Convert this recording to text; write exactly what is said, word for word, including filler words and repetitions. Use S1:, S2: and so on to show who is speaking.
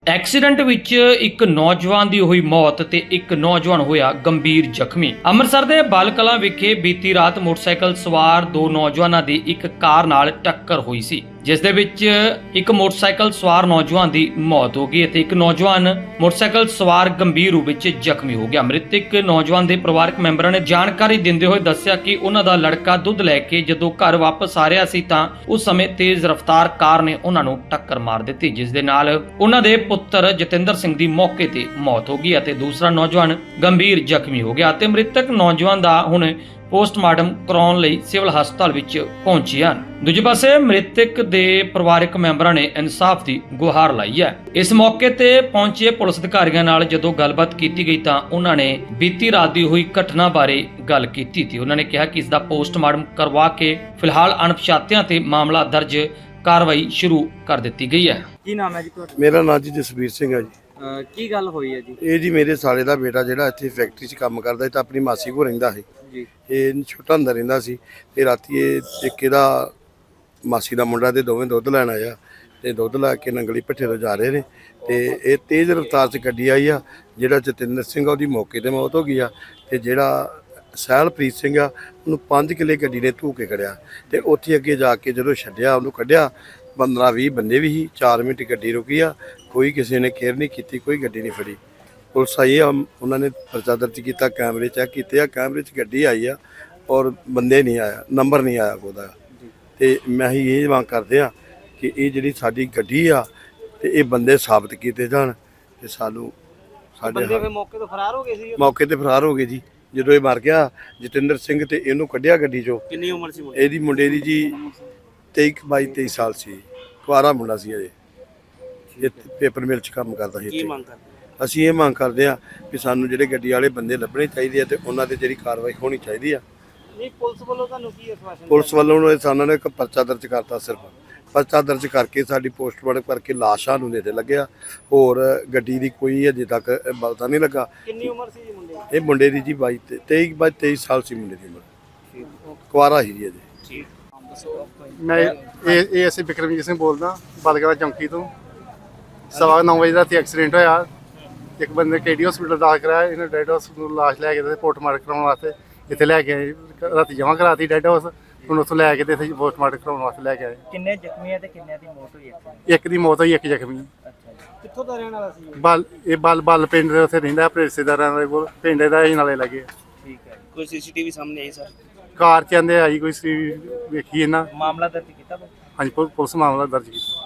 S1: Accident ਵਿੱਚ ਇੱਕ ਨੌਜਵਾਨ ਦੀ ਹੋਈ ਮੌਤ ਤੇ ਇੱਕ ਨੌਜਵਾਨ ਹੋਇਆ ਗੰਭੀਰ ਜ਼ਖਮੀ। ਅੰਮ੍ਰਿਤਸਰ ਦੇ ਬਲ ਕਲਾਂ ਵਿਖੇ ਬੀਤੀ ਰਾਤ ਮੋਟਰਸਾਈਕਲ ਸਵਾਰ ਦੋ ਨੌਜਵਾਨਾਂ ਦੀ ਇੱਕ ਕਾਰ ਨਾਲ ਟੱਕਰ ਹੋਈ ਸੀ, ਜਿਸ ਦੇ ਵਿੱਚ ਇੱਕ ਮੋਟਰਸਾਈਕਲ ਸਵਾਰ ਨੌਜਵਾਨ ਦੀ ਮੌਤ ਹੋ ਗਈ ਅਤੇ ਇੱਕ ਨੌਜਵਾਨ ਮੋਟਰਸਾਈਕਲ ਸਵਾਰ ਗੰਭੀਰ ਰੂਪ ਵਿੱਚ ਜ਼ਖਮੀ ਹੋ ਗਿਆ। ਮ੍ਰਿਤਕ ਨੌਜਵਾਨ ਦੇ ਪਰਿਵਾਰਕ ਮੈਂਬਰਾਂ ਨੇ ਜਾਣਕਾਰੀ ਦਿੰਦੇ ਹੋਏ ਦੱਸਿਆ ਕਿ ਉਹਨਾਂ ਦਾ ਲੜਕਾ ਦੁੱਧ ਲੈ ਕੇ ਜਦੋਂ ਘਰ ਵਾਪਸ ਆ ਰਿਹਾ ਸੀ ਤਾਂ ਉਸ ਸਮੇਂ ਤੇਜ਼ ਰਫ਼ਤਾਰ ਕਾਰ ਨੇ ਉਹਨਾਂ ਨੂੰ ਟੱਕਰ ਮਾਰ ਦਿੱਤੀ, ਜਿਸ ਦੇ ਨਾਲ ਉਹਨਾਂ ਦੇ ਪੁੱਤਰ ਜਤਿੰਦਰ ਸਿੰਘ ਦੀ ਮੌਕੇ ਤੇ ਮੌਤ ਹੋ ਗਈ ਅਤੇ ਦੂਸਰਾ ਨੌਜਵਾਨ ਗੰਭੀਰ ਜ਼ਖਮੀ ਹੋ ਗਿਆ ਅਤੇ ਮ੍ਰਿਤਕ ਨੌਜਵਾਨ ਦਾ ਹੁਣ ਪੋਸਟਮਾਰਟਮ ਕਰਾਉਣ ਲਈ ਸਿਵਲ ਹਸਪਤਾਲ ਵਿੱਚ ਪਹੁੰਚੇ ਹਨ। ਦੂਜੇ ਪਾਸੇ ਮ੍ਰਿਤਕ ਦੇ ਪਰਿਵਾਰਕ ਮੈਂਬਰਾਂ ਨੇ ਇਨਸਾਫ ਦੀ ਗੁਹਾਰ ਲਾਈ ਹੈ। ਇਸ ਮੌਕੇ ਤੇ ਪਹੁੰਚੇ ਪੁਲਿਸ ਅਧਿਕਾਰੀਆਂ ਨਾਲ ਜਦੋਂ ਗੱਲਬਾਤ ਕੀਤੀ ਗਈ ਤਾਂ ਉਹਨਾਂ ਨੇ ਬੀਤੀ ਰਾਤ ਦੀ ਹੋਈ ਘਟਨਾ ਬਾਰੇ ਗੱਲ ਕੀਤੀ ਸੀ। ਉਹਨਾਂ ਨੇ ਕਿਹਾ ਕਿ ਇਸ ਦਾ ਪੋਸਟਮਾਰਟਮ ਕਰਵਾ ਕੇ ਫਿਲਹਾਲ ਅਣਪਛਾਤਿਆਂ ਤੇ ਮਾਮਲਾ ਦਰਜ ਕਾਰਵਾਈ ਸ਼ੁਰੂ ਕਰ ਦਿੱਤੀ ਗਈ ਹੈ।
S2: ਕੀ ਨਾਮ ਹੈ ਜੀ ਤੁਹਾਡਾ?
S3: ਮੇਰਾ ਨਾਮ ਜੀ ਜਸਵੀਰ ਸਿੰਘ ਹੈ ਜੀ।
S2: ਅਹ ਕੀ ਗੱਲ ਹੋਈ ਹੈ ਜੀ?
S3: ਇਹ ਜੀ ਮੇਰੇ ਸਾਲੇ ਦਾ ਬੇਟਾ ਜਿਹੜਾ ਇੱਥੇ ਫੈਕਟਰੀ 'ਚ ਕੰਮ ਕਰਦਾ ਸੀ ਤਾਂ ਆਪਣੀ ਮਾਸੀ ਕੋਲ ਰਹਿੰਦਾ ਸੀ
S2: ਜੀ।
S3: ਇਹ ਛੋਟਾ ਹੁੰਦਾ ਰਹਿੰਦਾ ਸੀ ਤੇ ਰਾਤੀ ਇਹ ਇੱਕ ਇਹਦਾ ਮਾਸੀ ਦਾ ਮੁੰਡਾ ਤੇ ਦੋਵੇਂ ਦੁੱਧ ਲੈਣ ਆਇਆ ਤੇ ਦੁੱਧ ਲੈ ਕੇ ਨੰਗਲੀ ਭੱਠੇ ਤੋਂ ਜਾ ਰਹੇ ਨੇ ਤੇ ਇਹ ਤੇਜ਼ ਰਫ਼ਤਾਰ 'ਚ ਗੱਡੀ ਆਈ ਆ। ਜਿਹੜਾ ਜਤਿੰਦਰ ਸਿੰਘ ਆ ਉਹਦੀ ਮੌਕੇ ਤੇ ਮੌਤ ਹੋ ਗਈ ਆ ਤੇ ਜਿਹੜਾ ਸਹਿਲਪ੍ਰੀਤ ਸਿੰਘ ਆ ਉਹਨੂੰ ਪੰਜ ਕਿੱਲੇ ਗੱਡੀ ਨੇ ਧੂ ਕੇ ਖੜਿਆ ਤੇ ਉੱਥੇ ਅੱਗੇ ਜਾ ਕੇ ਜਦੋਂ ਛੱਡਿਆ ਉਹਨੂੰ ਕੱਢਿਆ ਪੰਦਰਾਂ ਵੀਹ ਬੰਦੇ ਵੀ ਸੀ। ਚਾਰ ਮਿੰਟ ਗੱਡੀ ਰੁਕੀ ਆ, ਕੋਈ ਕਿਸੇ ਨੇ ਕੇਅਰ ਨਹੀਂ ਕੀਤੀ, ਕੋਈ ਗੱਡੀ ਨਹੀਂ ਫੜੀ। ਪੁਲਿਸ ਆਈ ਆ, ਉਹਨਾਂ ਨੇ ਪਰਚਾ ਦਰਜ ਕੀਤਾ, ਕੈਮਰੇ ਚੈੱਕ ਕੀਤੇ ਆ, ਕੈਮਰੇ 'ਚ ਗੱਡੀ ਆਈ ਆ ਔਰ ਬੰਦੇ ਨਹੀਂ ਆਇਆ, ਨੰਬਰ ਨਹੀਂ ਆਇਆ ਉਹਦਾ। ਤੇ ਮੈਂ ਹੀ ਇਹ ਮੰਗ ਕਰਦੇ ਆ ਕਿ ਇਹ ਜਿਹੜੀ ਸਾਡੀ ਗੱਡੀ ਆ ਤੇ ਇਹ ਬੰਦੇ ਸਾਬਤ ਕੀਤੇ ਜਾਣ ਤੇ ਸਾਨੂੰ ਸਾਡੇ
S2: ਬੰਦੇ ਮੌਕੇ ਤੋਂ ਫਰਾਰ ਹੋ ਗਏ ਸੀ?
S3: ਮੌਕੇ ਤੇ ਫਰਾਰ ਹੋ ਗਏ ਜੀ। ਜਦੋਂ ਇਹ ਮਰ ਗਿਆ ਜਤਿੰਦਰ ਸਿੰਘ ਤੇ ਇਹਨੂੰ ਕੱਢਿਆ ਗੱਡੀ 'ਚੋਂ।
S2: ਕਿੰਨੀ ਉਮਰ ਸੀ?
S3: ਇਹਦੀ ਮੁੰਡੇ ਦੀ ਜੀ ਤੇਈ ਬਾਈ ਤੇਈ ਸਾਲ ਸੀ, ਕੁਆਰਾ ਮੁੰਡਾ ਸੀ ਅਜੇ। ਇਹ ਪੇਪਰ ਮਿਲ 'ਚ ਕੰਮ ਕਰਦਾ ਸੀ।
S2: ਕੀ ਮੰਗ ਕਰਦੇ?
S3: ਅਸੀਂ ਇਹ ਮੰਗ ਕਰਦੇ ਆ ਕਿ ਸਾਨੂੰ ਜਿਹੜੇ ਗੱਡੀ ਵਾਲੇ ਬੰਦੇ ਲੱਭਣੇ ਚਾਹੀਦੇ ਆ ਤੇ ਉਹਨਾਂ ਤੇ ਜਿਹੜੀ ਕਾਰਵਾਈ ਹੋਣੀ ਚਾਹੀਦੀ ਆ।
S2: ਨਹੀਂ, ਪੁਲਿਸ ਵੱਲੋਂ ਤੁਹਾਨੂੰ ਕੀ ਆਸ਼ਵਾਸਨ?
S3: ਪੁਲਿਸ ਵੱਲੋਂ ਸਾਨੂੰ ਨੇ ਇੱਕ ਪਰਚਾ ਦਰਜ ਕਰਤਾ, ਸਿਰਫ ਪਰਚਾ ਦਰਜ ਕਰਕੇ ਸਾਡੀ ਪੋਸਟਮਾਰਟਮ ਕਰਕੇ ਲਾਸ਼ਾਂ ਨੂੰ ਨੇੜੇ ਲੱਗਿਆ। ਹੋਰ ਗੱਡੀ ਦੀ ਕੋਈ ਅਜੇ ਤੱਕ ਪਤਾ ਨਹੀਂ ਲੱਗਾ।
S2: ਕਿੰਨੀ ਉਮਰ ਸੀ ਜੀ ਮੁੰਡੇ ਦੀ?
S3: ਇਹ ਮੁੰਡੇ ਦੀ ਜੀ ਬਾਈ ਤੇਈ ਬਾਈ ਤੇਈ ਸਾਲ ਸੀ ਮੁੰਡੇ ਦੀ ਉਮਰ, ਕੁਆਰਾ ਸੀ ਜੀ ਅਜੇ।
S2: ਠੀਕ।
S4: ਮੈਂ ਇਹ ਇਹ ਅਸੀਂ ਬਿਕਰਮਜੀਤ ਸਿੰਘ ਬੋਲਦਾ, ਬਲਗੜਾ ਚੌਂਕੀ ਤੋਂ। ਸਵਾ ਨੌ ਵਜੇ ਰਾਤੀ ਐਕਸੀਡੈਂਟ ਹੋਇਆ। ਇੱਕ ਬੰਦੇ ਕੇਡੀ ਹਸਪੀਟਲ ਦਾਖਲ ਕਰਾਇਆ, ਇਹਨੇ ਡੈਡ ਹਾਊਸ ਨੂੰ ਲਾਸ਼ ਲੈ ਕੇ ਤੇ ਪੋਸਟਮਾਰਟਮ ਕਰਾਉਣ ਵਾਸਤੇ ਇੱਥੇ ਲੈ ਕੇ ਆਏ। ਰਾਤੀ ਜਮ੍ਹਾਂ ਕਰਾਤੀ ਡੈਡ ਹਾਊਸ, ਹੁਣ ਉੱਥੋਂ ਲੈ ਕੇ ਤੇ ਇੱਥੇ ਪੋਸਟਮਾਰਟਮ ਕਰਾਉਣ ਵਾਸਤੇ ਲੈ ਕੇ ਆਏ।
S2: ਕਿੰਨੇ ਜ਼ਖਮੀ ਆ ਤੇ ਕਿੰਨਿਆਂ ਦੀ ਮੌਤ ਹੋਈ ਹੈ?
S4: ਇੱਕ ਦੀ ਮੌਤ ਹੋਈ, ਇੱਕ ਜ਼ਖਮੀ।
S2: ਅੱਛਾ ਜੀ। ਕਿੱਥੋਂ ਦਾ ਰਹਿਣ ਵਾਲਾ ਸੀ ਇਹ?
S4: ਬਲ ਇਹ ਬਲ ਬਲ ਪਿੰਡ ਦੇ ਉੱਥੇ ਰਹਿੰਦਾ, ਆਪਣੇ ਰਿਸ਼ਤੇਦਾਰਾਂ ਦੇ ਕੋਲ। ਪਿੰਡ ਦਾ ਹੀ ਨਾਲੇ ਲੱਗੇ।
S2: ਠੀਕ ਹੈ। ਕੋਈ ਸੀਸੀਟੀਵੀ ਸਾਹਮਣੇ ਆਈ ਸਰ?
S4: ਕਾਰ ਚ ਆਂਦੇ ਆਈ ਕੋਈ ਸੀ, ਵੇਖੀ ਇਹਨਾਂ।
S2: ਮਾਮਲਾ ਦਰਜ ਕੀਤਾ?
S4: ਹਾਂਜੀ, ਪੁਲਿਸ ਮਾਮਲਾ ਦਰਜ ਕੀਤਾ।